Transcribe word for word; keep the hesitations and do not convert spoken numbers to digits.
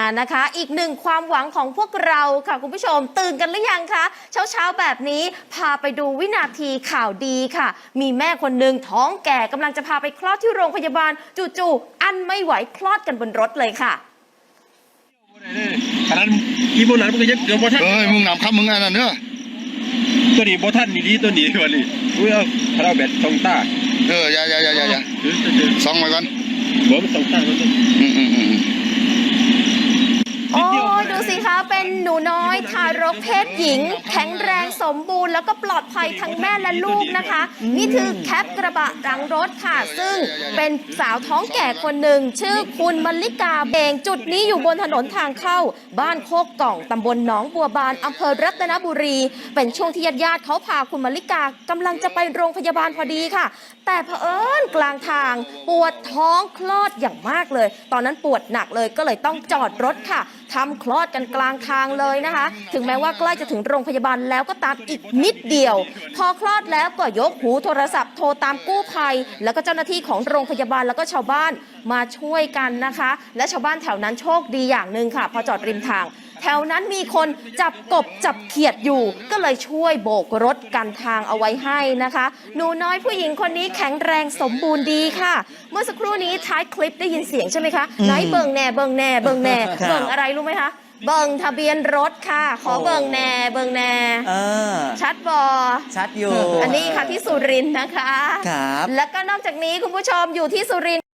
นะคะอีกหนึ่งความหวังของพวกเราค่ะคุณผู้ชมตื่นกันหรือยังคะเช้าเช้าแบบนี้พาไปดูวินาทีข่าวดีค่ะมีแม่คนหนึ่งท้องแก่กำลังจะพาไปคลอดที่โรงพยาบาลจู่ๆอั้นไม่ไหวคลอดกันบนรถเลยค่ะขนาดอีโบราณมันก็ยังเกือบบ่ทันเอ้ยมึงนำคำมึงอันนั้นเนอะตัวนี้บ่ทันนี่ดีตัวนี้วันนี้อุ้ยเอาคาราแบตสองตาเอออย่าอย่าอย่าอย่าอย่าสองไว้ก่อนบ่มันสองตามันอืมอืมอืมโอ้ยดูสิคะเป็นหนูน้อยทารกเพศหญิงแข็งแรงสมบูรณ์แล้วก็ปลอดภัยทั้งแม่และลูกนะคะนี่คือแคปกระบะหลังรถค่ะซึ่งเป็นสาวท้องแก่คนหนึ่งชื่อคุณมลิกาเบงจุดนี้อยู่บนถนนทางเข้าบ้านโคกกล่องตำบลหนองบัวบานอำเภอรัตนบุรีเป็นช่วงที่ญาติๆเขาพาคุณมลิกากำลังจะไปโรงพยาบาลพอดีค่ะแต่เผอิญกลางทางปวดท้องคลอดอย่างมากเลยตอนนั้นปวดหนักเลยก็เลยต้องจอดรถค่ะทำคลอดกันกลางทางเลยนะคะถึงแม้ว่าใกล้จะถึงโรงพยาบาลแล้วก็ตามอีกนิดเดียวพอคลอดแล้วก็ยกหูโทรศัพท์โทรตามกู้ภัยแล้วก็เจ้าหน้าที่ของโรงพยาบาลแล้วก็ชาวบ้านมาช่วยกันนะคะและชาวบ้านแถวนั้นโชคดีอย่างหนึ่งค่ะพอจอดริมทางแถวนั้นมีคนจับกบจับเขียดอยู่ก็เลยช่วยโบกรถกันทางเอาไว้ให้นะคะหนูน้อยผู้หญิงคนนี้แข็งแรงสมบูรณ์ดีค่ะเมื่อสักครู่นี้ท้ายคลิปได้ยินเสียงใช่ไหมคะไหนเบิ่งแน่เบิ่งแน่เบิ่งแน่เบิ่งอะไรรู้ไหมคะเบิ่งทะเบียนรถค่ะขอเบิ่งแน่เบิ่งแน่ชัดบอชัดอยู่อันนี้ค่ะที่สุรินทร์นะคะครับแล้วก็นอกจากนี้คุณผู้ชมอยู่ที่สุรินทร์